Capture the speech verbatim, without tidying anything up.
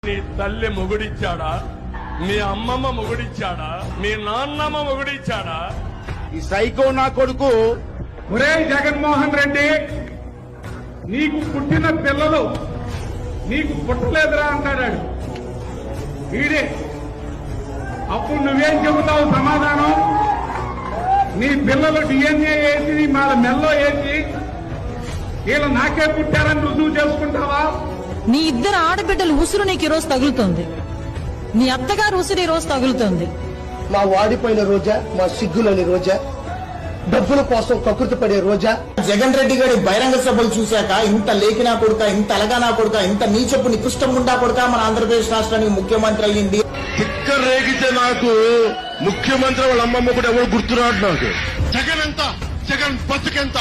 నీ తల్లి మొగుడిచ్చాడా? మీ అమ్మమ్మ మొగుడిచ్చాడా? మీ నాన్నమ్మ మొగుడిచ్చాడా? ఈ సైకో నా కొడుకు ఒరే జగన్మోహన్ రెడ్డి, నీకు పుట్టిన పిల్లలు నీకు పుట్టలేదురా అంటాడు వీడే. అప్పుడు నువ్వేం చెబుతావు సమాధానం? నీ పిల్లలు డిఎన్ఏ వేసి వాళ్ళ మెల్లో వేసి వీళ్ళు నాకే పుట్టారని రుజువు చేసుకుంటావా? నీ ఇద్దరు ఆడబిడ్డలు ఉసురు నీకు ఈ రోజు తగులుతోంది. నీ అత్తగారు ఉసురు ఈ రోజు తగులుతోంది. మా వాడిపోయిన రోజా, మా సిగ్గులోని రోజా, డబ్బుల కోసం కకృతి పడే రోజా. జగన్ రెడ్డి గారి బహిరంగ సభలు చూశాక ఇంత లేఖినా కొడుక, ఇంత అలగానా కొడుక, ఇంత నీచపు నికృష్టం ఉండా కొడుక మన ఆంధ్రప్రదేశ్ రాష్ట్రానికి ముఖ్యమంత్రి అయ్యింది. తిక్క రేగితే నాకు ముఖ్యమంత్రి వాళ్ళ అమ్మమ్మ కూడా ఎవరు గుర్తురాడు నాకు. జగన్ ఎంత, జగన్ బతుకెంత.